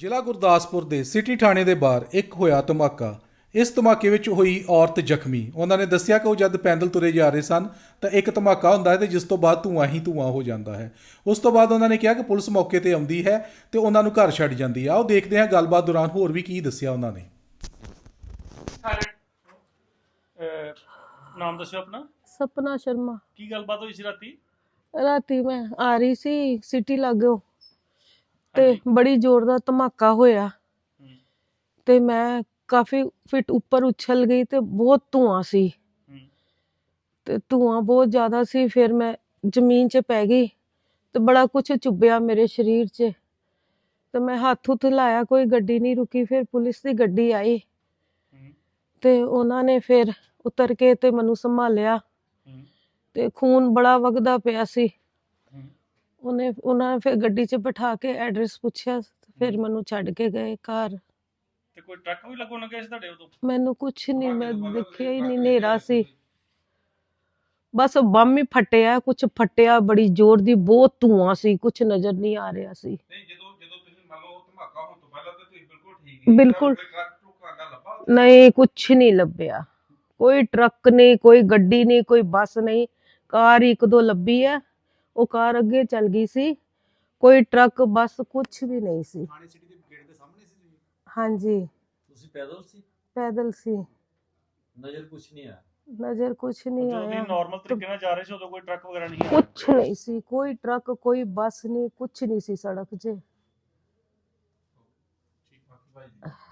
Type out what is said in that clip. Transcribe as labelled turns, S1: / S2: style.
S1: ਜ਼ਿਲ੍ਹਾ ਗੁਰਦਾਸਪੁਰ ਦੇ ਸਿਟੀ ਥਾਣੇ ਦੇ ਬਾਹਰ ਇੱਕ ਹੋਇਆ ਧਮਾਕਾ। ਇਸ ਧਮਾਕੇ ਵਿੱਚ ਹੋਈ ਔਰਤ ਜ਼ਖਮੀ। ਉਹਨਾਂ ਨੇ ਦੱਸਿਆ ਕਿ ਉਹ ਜਦ ਪੈਦਲ ਤੁਰੇ ਜਾ ਰਹੇ ਸਨ ਤਾਂ ਇੱਕ ਧਮਾਕਾ ਹੁੰਦਾ ਹੈ ਤੇ ਜਿਸ ਤੋਂ ਬਾਅਦ ਧੂੰਆਂ ਹੀ ਧੂੰਆਂ ਹੋ ਜਾਂਦਾ ਹੈ। ਉਸ ਤੋਂ ਬਾਅਦ ਉਹਨਾਂ ਨੇ ਕਿਹਾ ਕਿ ਪੁਲਿਸ ਮੌਕੇ ਤੇ ਆਉਂਦੀ ਹੈ ਤੇ ਉਹਨਾਂ ਨੂੰ ਘਰ ਛੱਡ ਜਾਂਦੀ ਹੈ। ਆਓ ਦੇਖਦੇ ਹਾਂ ਗੱਲਬਾਤ ਦੌਰਾਨ ਹੋਰ ਵੀ ਕੀ ਦੱਸਿਆ ਉਹਨਾਂ ਨੇ।
S2: ਨਾਮ ਦੱਸਿਓ ਆਪਣਾ।
S3: सपना शर्मा।
S2: ਕੀ ਗੱਲਬਾਤ ਹੋਈ ਸੀ ਰਾਤੀ?
S3: राती मैं आ रही सी सिटी लागो ते बड़ी जोर दा धमाका होया ते मैं काफी फिट ऊपर उछल गई ते बहुत धुआं सी ते धुआं बहुत ज्यादा सी। फिर मैं जमीन च पै गई ते बड़ा कुछ चुभया मेरे शरीर च ते मैं हत्थ हुत्थ लाया, कोई गड्डी नहीं रुकी। फिर पुलिस दी गड्डी आई ते उन्हां ने फिर उतर के ते मैनू संभालिया ते खून बड़ा वगदा पिया सी। उन्हां ने फिर गड्डी च बिठा के एड्रैस पुछया, फिर मैनू छड्ड के गए घर।
S2: ਤੇ ਕੋਈ ਟਰੱਕ ਵੀ ਲੱਗੋ ਲੱਗੇ ਸੀ ਤੁਹਾਡੇ ਉਦੋਂ?
S3: मैनू कुछ नहीं, मैं देखिया ही नहीं, नेरा सी। बस बम ही फटिया, कुछ फटिया बड़ी जोर दी, बहुत धुआं सी, कुछ नजर नहीं आ रहा सी।
S4: ਨਹੀਂ ਜਦੋਂ ਤੁਸੀਂ ਮੰਨ ਲਓ ਧਮਾਕਾ ਹੋਣ ਤੋਂ ਪਹਿਲਾਂ ਤਾਂ ਤੁਸੀਂ ਬਿਲਕੁਲ ਠੀਕ ਸੀ।
S3: बिल्कुल
S4: ਟਰੱਕ ਟਰੁੱਕ ਆਂਦਾ ਲੱਭਾ?
S3: नहीं, कुछ नहीं लभ्या। कोई ट्रक नहीं, कोई गड्डी नहीं, कोई बस नहीं। कार एक दो लभी है, वो कार अगे चल गई सी। कोई ट्रक बस कुछ भी नहीं सी।
S1: ਥਾਣੇ ਸਿਟੀ ਦੇ ਗੇਟ ਦੇ ਸਾਹਮਣੇ ਸੀ ਤੁਸੀਂ?
S3: हाँ जी,
S5: ਤੁਸੀਂ ਪੈਦਲ ਸੀ?
S3: पैदल सी।
S5: ਨਜ਼ਰ ਕੁਛ ਨਹੀਂ ਆਇਆ?
S3: नजर कुछ नहीं
S2: ਜਦੋਂ
S3: आया,
S2: ਨਾਰਮਲ ਤਰੀਕੇ ਨਾਲ ਜਾ ਰਹੇ ਸੀ ਉਦੋਂ ਕੋਈ ਟਰੱਕ ਵਗੈਰਾ ਨਹੀਂ ਆਇਆ?
S3: कुछ नहीं सी। कोई ट्रक कोई बस नहीं, कुछ नहीं सी सड़क 'च।
S4: ਠੀਕ ਬਾਕੀ ਭਾਈ ਜੀ